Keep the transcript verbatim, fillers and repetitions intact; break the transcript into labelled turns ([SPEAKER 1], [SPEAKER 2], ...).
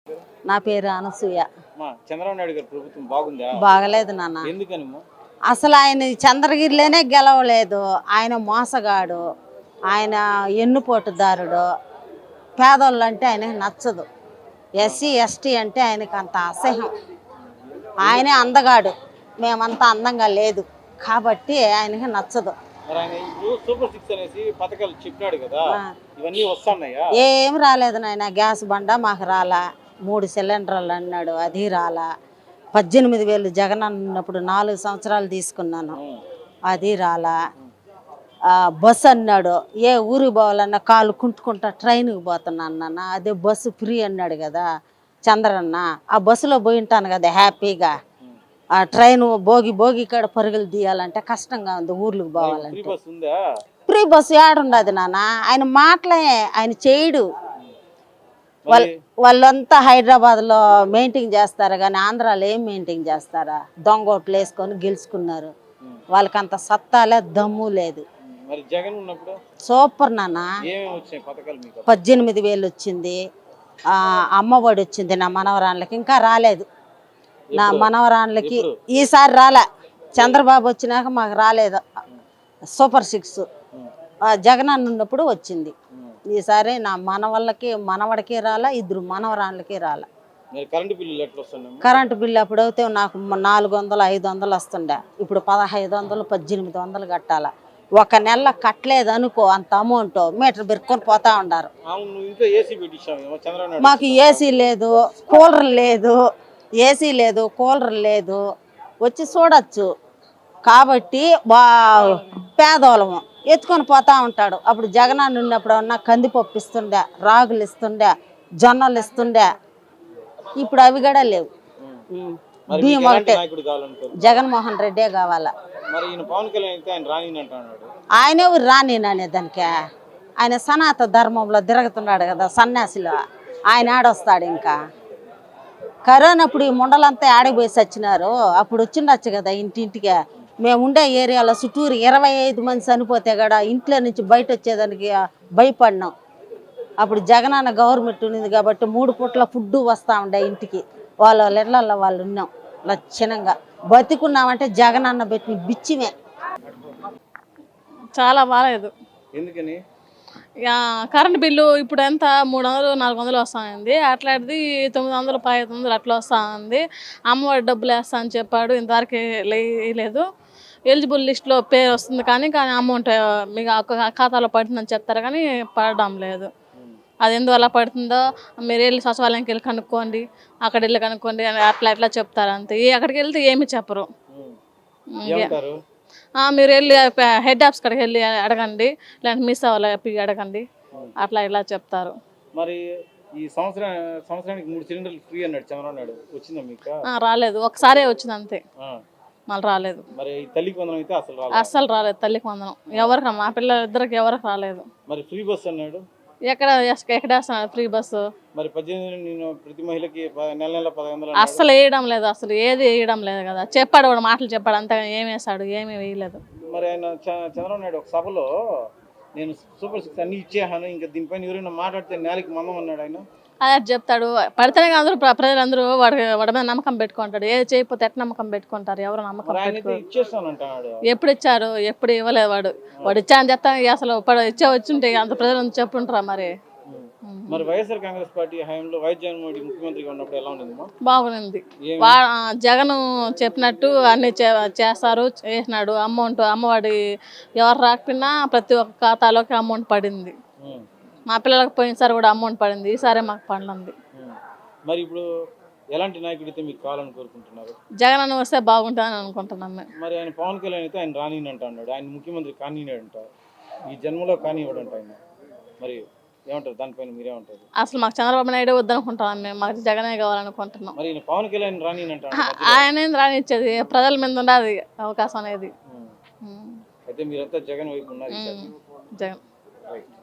[SPEAKER 1] నా పేరు అనసూయ.
[SPEAKER 2] చంద్రబాబు నాయుడు గారి ప్రభుత్వం బాగుందా?
[SPEAKER 1] బాగలేదు నాన్న.
[SPEAKER 2] ఎందుకని?
[SPEAKER 1] అసలు ఆయన చంద్రగిరిలోనే గెలవలేదు. ఆయన మోసగాడు, ఆయన ఎన్నుపోటుదారుడు. పేదోళ్ళు అంటే ఆయనకి నచ్చదు. ఎస్సీ ఎస్టీ అంటే ఆయనకు అంత అసహ్యం. ఆయనే అందగాడు, మేమంతా అందంగా లేదు కాబట్టి ఆయనకి నచ్చదు. ఏం రాలేదు నాయన. గ్యాస్ బండ మాకు రాలా, మూడు సిలిండర్లు అన్నాడు, అది రాలా. పద్దెనిమిది వేలు జగన్ అన్నప్పుడు నాలుగు సంవత్సరాలు తీసుకున్నాను, అది రాలా. బస్సు అన్నాడు, ఏ ఊరికి పోవాలన్నా కాలు కుంటుకుంటా ట్రైన్కి పోతున్నాను నాన్న, అదే బస్సు ఫ్రీ అన్నాడు కదా చంద్రన్న. ఆ బస్సులో పోయి ఉంటాను కదా హ్యాపీగా. ఆ ట్రైన్ భోగి భోగి ఇక్కడ పరుగులు తీయాలంటే కష్టంగా ఉంది. ఊర్లకు పోవాలంటే ఫ్రీ బస్సు ఏడుండదు నాన్న. ఆయన మాటలే ఆయన చేయడు. వాళ్ళ వాళ్ళంతా హైదరాబాద్లో మెయింటైన్ చేస్తారు కానీ ఆంధ్రాలో ఏం మెయింటైన్ చేస్తారా? దొంగ ఓట్లు వేసుకొని గెలుచుకున్నారు. వాళ్ళకంత సత్తాలే దమ్ము లేదు. సూపర్ నాన్న. పద్దెనిమిది వేలు వచ్చింది, అమ్మఒడి వచ్చింది నా మనవరాళ్ళకి. ఇంకా రాలేదు నా మనవరాళ్ళకి, ఈసారి రాలే. చంద్రబాబు వచ్చినాక మాకు రాలేదు. సూపర్ సిక్స్ జగన్ అన్న ఉన్నప్పుడు వచ్చింది. ఈసారి నా మనవాళ్ళకి మనవడికి రాలా, ఇద్దరు మనవరాళ్ళకి రాలా. కరెంటు బిల్లు అప్పుడు అయితే నాకు నాలుగు వందలు ఐదు వందలు వస్తుండే, ఇప్పుడు పదహైదు వందలు పద్దెనిమిది వందలు కట్టాల. ఒక నెల కట్టలేదు అనుకో, అంత అమౌంట్ మీటర్ పెరుక్కొని పోతా ఉండారు. మాకు ఏసీ లేదు, కూలర్ లేదు, ఏసీ లేదు, కూలర్ లేదు. వచ్చి చూడచ్చు కాబట్టి బా పేదోళము ఎత్తుకొని పోతా ఉంటాడు. అప్పుడు జగనన్న ఉన్నప్పుడు అన్నా కందిపప్పు ఇస్తుండే, రాగులు ఇస్తుండే, జొన్నలు ఇస్తుండే. ఇప్పుడు అవి కూడా లేవు. బియ్యం ఒకటే. జగన్మోహన్ రెడ్డే కావాలా. ఆయన ఎవరు రానినే దానికి? ఆయన సనాత ధర్మంలో తిరుగుతున్నాడు కదా సన్యాసిలో, ఆయన ఆడొస్తాడు. ఇంకా కరోనా అప్పుడు ఈ ముండలంతా ఆడిపోయి వచ్చినారు. అప్పుడు వచ్చిండొచ్చు కదా ఇంటింటికి. మేము ఉండే ఏరియాలో చుట్టూరు ఇరవై ఐదు మంది చనిపోతే కూడా ఇంట్లో నుంచి బయట వచ్చేదానికి భయపడినాం. అప్పుడు జగనన్న గవర్నమెంట్ ఉంది కాబట్టి మూడు పూట్ల ఫుడ్ వస్తూ ఉండే ఇంటికి. వాళ్ళ వాళ్ళ ఇళ్లలో వాళ్ళు ఉన్నాం లక్షణంగా బతికున్నామంటే జగనన్న పెట్టిన బిచ్చిమే.
[SPEAKER 3] చాలా బాగాలేదు. కరెంట్ బిల్లు ఇప్పుడు ఎంత మూడు వందలు నాలుగు వందలు వస్తుంది, అట్లాంటిది తొమ్మిది వందలు పది వందలు అట్లా వస్తూ ఉంది. అమ్మఒడి డబ్బులు వేస్తా అని చెప్పాడు, ఇంతవరకు లేదు. ఎలిజిబుల్ లిస్ట్లో పేరు వస్తుంది కానీ కానీ అమౌంట్ మీకు ఖాతాలో పడుతుందని చెప్తారు కానీ పడడం లేదు. అది ఎందువల్ల పడుతుందో మీరు వెళ్ళి సచివాలయంకి వెళ్ళి కనుక్కోండి, అక్కడ వెళ్ళి కనుక్కోండి అని అట్లా ఎట్లా చెప్తారు అంతే. అక్కడికి వెళ్తే ఏమి చెప్పరు. మీరు వెళ్ళి హెడ్ ఆఫీస్ కాడికి వెళ్ళి అడగండి, లేదంటే మిస్ అవ్వాలి అడగండి, అట్లా ఇలా చెప్తారు.
[SPEAKER 2] మరి ఈ సంవత్సరం సంవత్సరానికి మూడు సిలిండర్లు ఫ్రీ అన్నాడు చంద్రబాబు నాయుడు, వచ్చిందా మీకు?
[SPEAKER 3] రాలేదు, ఒకసారే వచ్చింది అంతే, మళ్ళీ రాలేదు.
[SPEAKER 2] మరి తల్లికి వందనం అయితే అసలు రాలేదు.
[SPEAKER 3] అస్సలు రాలేదు తల్లికి వందనం ఎవరికి, మా పిల్లలిద్దరికి ఎవరికి రాలేదు.
[SPEAKER 2] మరి ఫ్రీ బస్ అన్నాడు,
[SPEAKER 3] ఎక్కడ ఎక్కడ వేస్తున్నాడు ఫ్రీ బస్సు?
[SPEAKER 2] మరి పద్దెనిమిది ప్రతి మహిళకి నెల నెల పదకొండు
[SPEAKER 3] అస్సలు వేయడం లేదు, అసలు ఏది వేయడం లేదు కదా. చెప్పాడు వాడు మాటలు చెప్పాడు అంతే, ఏమి వేస్తాడు ఏమి వేయలేదు.
[SPEAKER 2] మరి ఆయన చంద్రబాబు నాయుడు ఒక సభలో నేను సూపర్ సిక్స్ అన్ని ఇచ్చేహాను, ఇంకా దీనిపైన ఎవరైనా మాట్లాడితే నేలకి మందం అన్నాడు ఆయన.
[SPEAKER 3] అదే చెప్తాడు, పడితేనే అందరూ ప్రజలందరూ వాడి వాడి మీద నమ్మకం పెట్టుకుంటాడు. ఏది చేయకపోతే ఎట్లా నమ్మకం పెట్టుకుంటారు? ఎవరు నమ్మకం
[SPEAKER 2] పెట్టుకుంటారు?
[SPEAKER 3] ఎప్పుడు ఇచ్చారు? ఎప్పుడు ఇవ్వలేదు. వాడు వాడు ఇచ్చాని చెప్తా అసలు ఇచ్చే వచ్చుంటే అంత ప్రజలు చెప్పుంటారా? మరి
[SPEAKER 2] మరి వైఎస్ఆర్ కాంగ్రెస్ పార్టీ హయాంలో వైఎస్ జగన్మోహన్ ముఖ్యమంత్రిగా ఉన్నప్పుడు ఎలా ఉంది?
[SPEAKER 3] బాగుంది. జగన్ చెప్పినట్టు అన్ని చేస్తారు, చేసినాడు. అమౌంట్ అమ్మఒడి ఎవరు రాకపోయినా ప్రతి ఒక్క ఖాతాలోకి అమౌంట్ పడింది. మా పిల్లలకు పోయినసారి కూడా అమౌంట్ పడింది, ఈసారి మాకు పడింది.
[SPEAKER 2] మరి ఇప్పుడు ఎలాంటి నాయకుడు అయితే మీకు కావాలని కోరుకుంటున్నారు?
[SPEAKER 3] జగన్ అన్న వస్తే బాగుంటుందని అనుకుంటున్నాం.
[SPEAKER 2] మరి ఆయన పవన్ కళ్యాణ్ అయితే ఆయన రాని అంటున్నాడు, ఆయన ముఖ్యమంత్రి కానివ్వడంట, ఈ జన్మలో కానివ్వడంట ఆయన. మరి ఏమంటారు దానిపైన మీరేమంటారు?
[SPEAKER 3] అసలు మాకు చంద్రబాబు నాయుడు వద్దనుకుంటున్నాం, మేము మాకు జగనే కావాలనుకుంటున్నాం.
[SPEAKER 2] మరి పవన్ కళ్యాణ్ రాని అంటారు,
[SPEAKER 3] ఆయన ఏం రానిచ్చేది? ప్రజల మీద ఉండదు అవకాశం అనేది.
[SPEAKER 2] అయితే మీరంతా జగన్ వైపు ఉన్నారు.
[SPEAKER 3] జగన్